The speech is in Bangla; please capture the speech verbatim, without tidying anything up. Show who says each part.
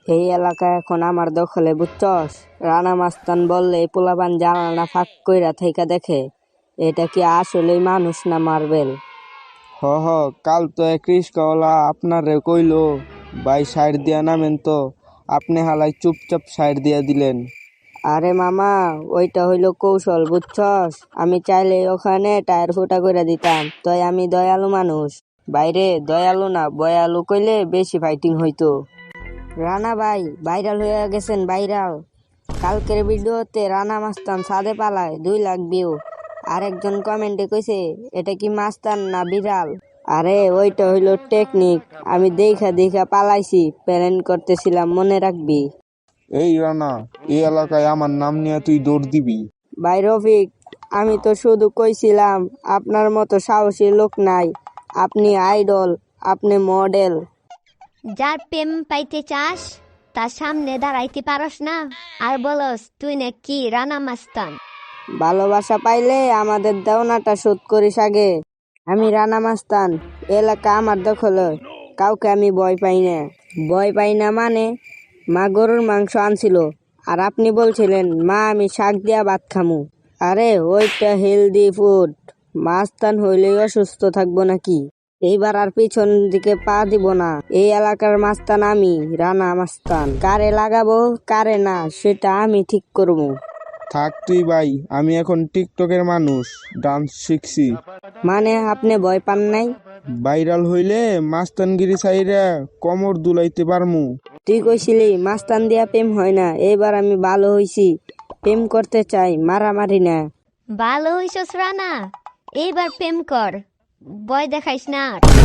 Speaker 1: এই এলাকা এখন আমার দখলে, বুঝছস? রানা মাস্তান বললে পোলাপান জানালা ফাঁক কইরা থাইকা দেখে, এটা কি আসলেই মানুষ না মার্বেল?
Speaker 2: হ হ কাল তো এক রিস্কাওয়ালা আপনারে কইলো ভাই সাইড দিয়া নামেন, তো আপনি হালাই চুপচাপ সাইড দিয়া দিলেন।
Speaker 1: আরে মামা, ওইটা হইলো কৌশল, বুঝছস? আমি চাইলে ওখানে টায়ার ফুটা করে দিতাম, তাই আমি দয়ালু মানুষ। বাইরে দয়ালু না বয়ালু কইলে বেশি ফাইটিং হইতো। রানা ভাই ভাইরাল হয়ে গেছেন, ভাইরাল। কালকের ভিডিওতে রানা মাস্তান ছাদে পালায়, দুই লাখ ভিউ। আরেকজন কমেন্টে কইছে, এটা কি মাস্তান না বিড়াল? আরে ওইটা হইলো টেকনিক, আমি দেখা দেখা পালাইছি, প্ল্যান করতেছিলাম, মনে রাখবি।
Speaker 2: এই রানা, এই এলাকায় আমার নাম নিয়ে তুই দৌড় দিবি?
Speaker 1: ভাই রফিক, আমি তো শুধু কইছিলাম, আপনার মতো সাহসী লোক নাই। আপনি আইডল, আপনি মডেল।
Speaker 3: যার প্রেম পাইতে চাস তার সামনে দাঁড়াইতে পারস না, আর বলস তুই নাকি রানা মাস্তান।
Speaker 1: ভালোবাসা পাইলে আমাদের দেওনাটা শোধ করিস আগে। আমি রানা মাস্তান, এলাকা আমার দখলে, কাউকে আমি ভয় পাই না। ভয় পাই না মানে? মা গরুর মাংস আনছিল, আর আপনি বলছিলেন মা আমি শাক দিয়া ভাত খামু। আরে ওইটা হেলদি ফুড, মাস্তান হইলেই অসুস্থ থাকবো নাকি? এইবার আর পিছন দিকে পা দিব না। এই এলাকার মাস্তান আমি, রানা মাস্তান। কারে লাগাবো কারে না সেটা আমি ঠিক করবো।
Speaker 2: থাক তুই ভাই, আমি এখন টিকটকের মানুষ, ডান্স শিখছি।
Speaker 1: মানে আপনি ভয় পান নাই?
Speaker 2: ভাইরাল হইলে মাস্তানগিরি সাইরা কমর দুলাইতে পারমু।
Speaker 1: তুই কইছিলি মাস্তান দিয়া প্রেম হয় না, এবার আমি ভালো হইছি, প্রেম করতে চাই, মারামারি না।
Speaker 3: ভালো হইছস রানা, এইবার প্রেম কর, ভয় দেখাইস না।